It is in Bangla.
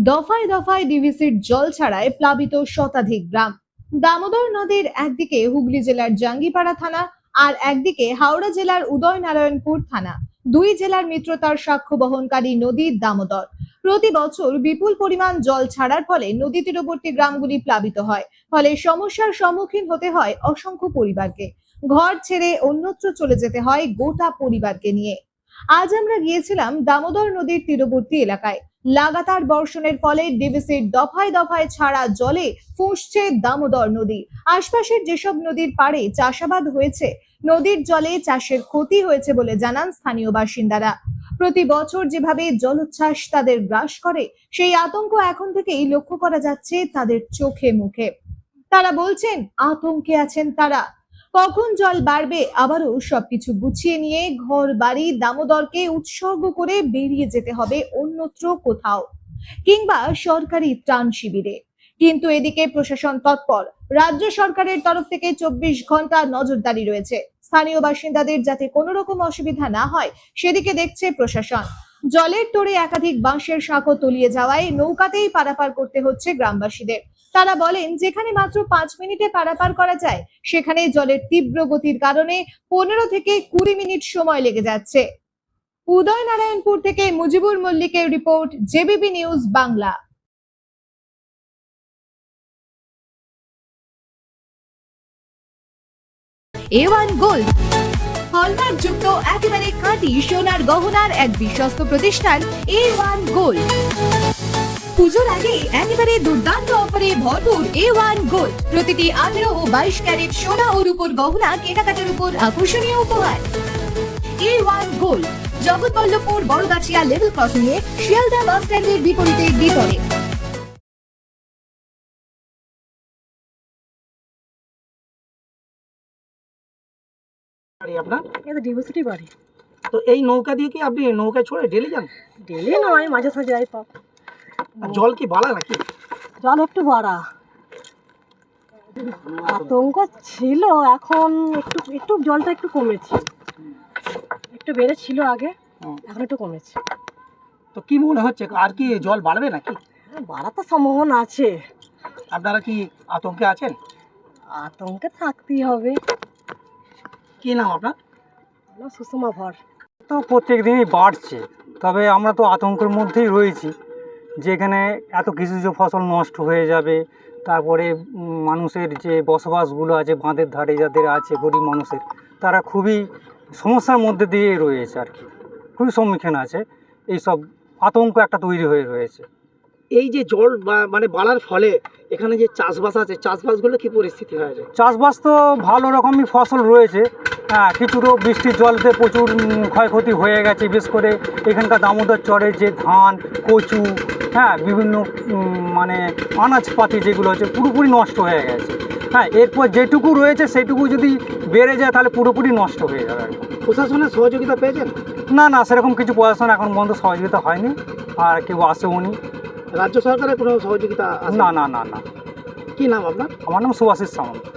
দফায় দফায় ডিভিসির জল ছাড়ায় প্লাবিত শতাধিক গ্রাম। দামোদর নদীর একদিকে হুগলি জেলার জাঙ্গিপাড়া থানা আর একদিকে হাওড়া জেলার উদয়নারায়ণপুর থানা। দুই জেলার মিত্রতার সাক্ষ্য বহনকারী নদী দামোদর প্রতি বছর বিপুল পরিমাণ জল ছাড়ার ফলে নদী তীরবর্তী গ্রামগুলি প্লাবিত হয়। ফলে সমস্যার সম্মুখীন হতে হয় অসংখ্য পরিবারকে। ঘর ছেড়ে অন্যত্র চলে যেতে হয় গোটা পরিবারকে নিয়ে। আজ আমরা গিয়েছিলাম দামোদর নদীর তীরবর্তী এলাকায়। লাগাতার বর্ষণের ফলে ডিভিসির দফায় দফায় ছাড়া জলে ফুঁসছে দামোদর নদী। আশপাশের যেসব নদীর পাড়ে চাষাবাদ হয়েছে, নদীর জলে চাষের ক্ষতি হয়েছে বলে জানান স্থানীয় বাসিন্দারা। প্রতি বছর যেভাবে জলোচ্ছ্বাস তাদের গ্রাস করে, সেই আতঙ্ক এখন থেকেই লক্ষ্য করা যাচ্ছে তাদের চোখে মুখে। তারা বলছেন আতঙ্কে আছেন তারা। কখন জল বাড়বে, আবারও সবকিছু গুছিয়ে নিয়ে ঘর বাড়ি দামোদরকে উৎসর্গ করে বেরিয়ে যেতে হবে অন্যত্র কোথাও, কিংবা সরকারি ত্রাণ শিবিরে। কিন্তু এদিকে প্রশাসন তৎপর। রাজ্য সরকারের তরফ থেকে 24 ঘন্টা নজরদারি রয়েছে। স্থানীয় বাসিন্দাদের যাতে কোনো রকম অসুবিধা না হয় সেদিকে দেখছে প্রশাসন। জলের তোড়ে একাধিক বাঁশের সাঁকো তলিয়ে যাওয়ায় নৌকাতেই পারাপার করতে হচ্ছে গ্রামবাসীদের। তারা বলেন, যেখানে মাত্র 5 মিনিটে পারাপার করা যায়, সেখানে জলের তীব্র গতির কারণে 15 থেকে 20 মিনিট সময় লেগে যাচ্ছে। উদয়নারায়ণপুর থেকে মুজিবুর মল্লিকের report, JBP news Bangla. A1 gold hallmark যুক্ত একেবারে খাঁটি সোনার গহনার এক বিশ্বস্ত প্রতিষ্ঠান A1 গোল্ড। পুজোর আগে একেবারে দুর্দান্ত অফারে ভরপুর A1 গোল্ড। প্রতিটি 18 ও 22 ক্যারেট সোনা ও রূপোর গহনা কেনাকাটার উপর আকর্ষণীয় উপহার। A1 gold, Jagatballavpur Baragachhia level crossing এ শিয়ালদা বাস স্ট্যান্ডের বিপরীতে দ্বিতলে। আপনার এটা ডিভোর্সিটি বাড়ি। তো এই নৌকা দিয়ে কি আপনি নৌকায় চড়ে ডেলি যান? ডেলি নয়, মাঝে সাঝে যাই। পাপ আর জল কি বাড়া নাকি? জল একটু বাড়া, আতঙ্ক ছিল। এখন একটু একটু জলটা একটু কমেছে, একটু বেড়েছিল আগে, এখন একটু কমেছে। তো কি মনে হচ্ছে আর কি জল বাড়বে নাকি? বাড়ার তো সম্ভাবনা আছে। আপনারা কি আতঙ্কে আছেন? আতঙ্কে থাকতেই হবে। কি নাম আপনার? সুষমা ভর। তো প্রত্যেক দিনই বাড়ছে, তবে আমরা তো আতঙ্কের মধ্যেই রয়েছি, যেখানে এত কৃষিজ ফসল নষ্ট হয়ে যাবে। তারপরে মানুষের যে বসবাসগুলো আছে বাঁধের ধারে যাদের আছে, গরিব মানুষের, তারা খুবই সমস্যার মধ্যে দিয়ে রয়েছে আর কি, খুবই সম্মুখীন আছে। এইসব আতঙ্ক একটা তৈরি হয়ে রয়েছে। এই যে জল মানে বাড়ার ফলে এখানে যে চাষবাস আছে, চাষবাসগুলো কি পরিস্থিতি হয়ে যায়? চাষবাস তো ভালো রকমই ফসল রয়েছে, হ্যাঁ। কিছু তো বৃষ্টির জলতে প্রচুর ক্ষয়ক্ষতি হয়ে গেছে। বিশেষ করে এখানকার দামোদর চরে যে ধান, কচু, হ্যাঁ, বিভিন্ন মানে আনাজপাতি যেগুলো আছে পুরোপুরি নষ্ট হয়ে গেছে। হ্যাঁ, এরপর যেটুকু রয়েছে সেটুকু যদি বেড়ে যায় তাহলে পুরোপুরি নষ্ট হয়ে যাবে। প্রশাসনের সহযোগিতা পেয়েছেন? না না, সেরকম কিছু প্রশাসন এখন পর্যন্ত সহযোগিতা হয়নি, আর কেউ আসেওনি। রাজ্য সরকারের কোনো সহযোগিতা? না না না না। কি নাম আপনার? আমার নাম সুভাষিস সামন্ত।